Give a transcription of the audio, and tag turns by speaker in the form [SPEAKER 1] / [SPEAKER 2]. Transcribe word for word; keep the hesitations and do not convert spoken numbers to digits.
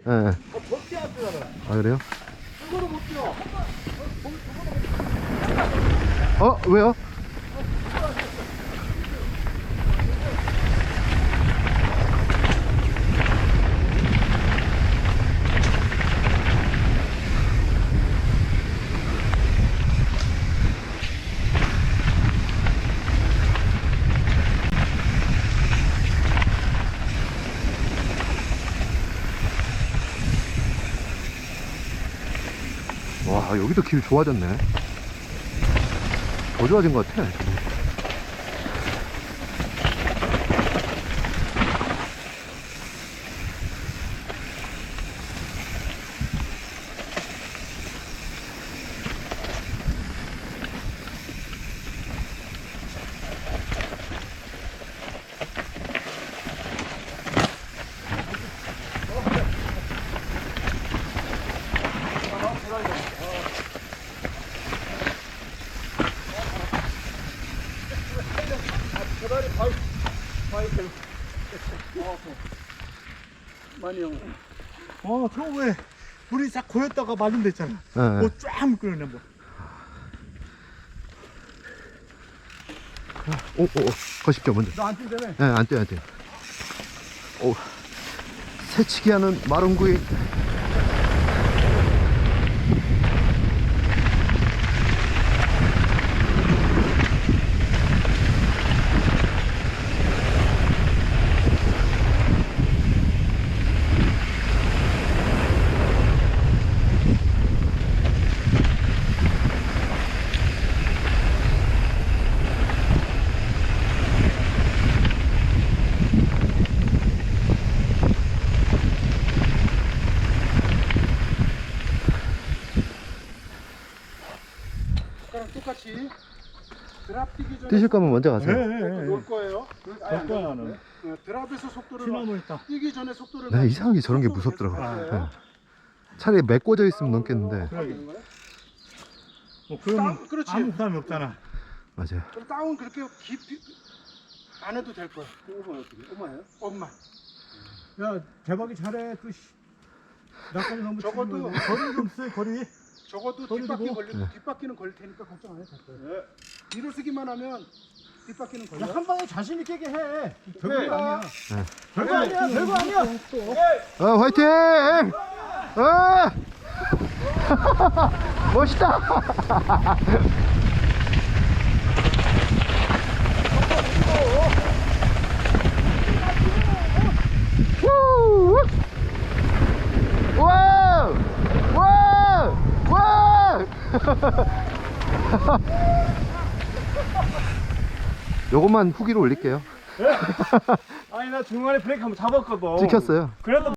[SPEAKER 1] 예.
[SPEAKER 2] 아, 절대 안 되잖아.
[SPEAKER 1] 아, 그래요?
[SPEAKER 2] 이거는 못 뛰어.
[SPEAKER 1] 어, 왜요? 와, 여기도 길 좋아졌네. 더 좋아진 것 같아.
[SPEAKER 2] 계단이 바위, 바위 들 많이 형. 어, 저 왜 물이 싹 고였다가 마른 데 있잖아.
[SPEAKER 1] 네.
[SPEAKER 2] 뭐 쫙 끌어내 뭐.
[SPEAKER 1] 오, 오, 오. 거십시오, 먼저.
[SPEAKER 2] 너 안 뛰잖아.
[SPEAKER 1] 예, 네, 안 뛰어, 안 뛰어. 오. 새치기 하는 마룬구이.
[SPEAKER 2] 아까랑 똑같이 드랍 뛰기 전에
[SPEAKER 1] 뛰실 거면 먼저 가세요.
[SPEAKER 2] 놓을 거예요. 아예 안
[SPEAKER 3] 거야,
[SPEAKER 2] 돼.
[SPEAKER 3] 나는.
[SPEAKER 2] 어, 드랍에서 속도를
[SPEAKER 3] 시나몬 있다.
[SPEAKER 2] 뛰기 전에 속도를
[SPEAKER 1] 나
[SPEAKER 2] 막-
[SPEAKER 1] 이상하게 저런 게
[SPEAKER 2] 속도를
[SPEAKER 1] 무섭더라고.
[SPEAKER 2] 계속
[SPEAKER 1] 예.
[SPEAKER 2] 가야
[SPEAKER 1] 차라리 메꿔져 있으면 넘겠는데.
[SPEAKER 2] 되는 거야?
[SPEAKER 3] 뭐 그러면
[SPEAKER 2] 다운, 그렇지.
[SPEAKER 3] 아무 부담이 없잖아.
[SPEAKER 1] 맞아요.
[SPEAKER 2] 그럼 다운 그렇게 깊이 안 해도 될 거야. 엄마 어떻게? 엄마예요? 엄마.
[SPEAKER 3] 야 대박이 잘해. 또 씨. 나까지 너무
[SPEAKER 2] 적어도-
[SPEAKER 3] 치면 거리 좀 써. 거리.
[SPEAKER 2] 적어도
[SPEAKER 3] 거리
[SPEAKER 2] 뒷바퀴
[SPEAKER 3] 두고.
[SPEAKER 2] 걸리
[SPEAKER 1] 네.
[SPEAKER 2] 뒷바퀴는 걸릴 테니까 걱정 안 해도 될 거야. 뒤로 쓰기만 하면 뒷바퀴는 걸려.
[SPEAKER 3] 야, 한 방에 자신 있게 해.
[SPEAKER 2] 네.
[SPEAKER 3] 별거 아니야.
[SPEAKER 1] 네.
[SPEAKER 3] 별거 아니야. 별거 아니야.
[SPEAKER 1] 어, 화이팅! 어! 멋있다! 우! 와우! 와우! 와우! 요것만 후기로 올릴게요.
[SPEAKER 3] 아니 나 중간에 브레이크 한번 잡았거든.
[SPEAKER 1] 찍혔어요.
[SPEAKER 3] 그래도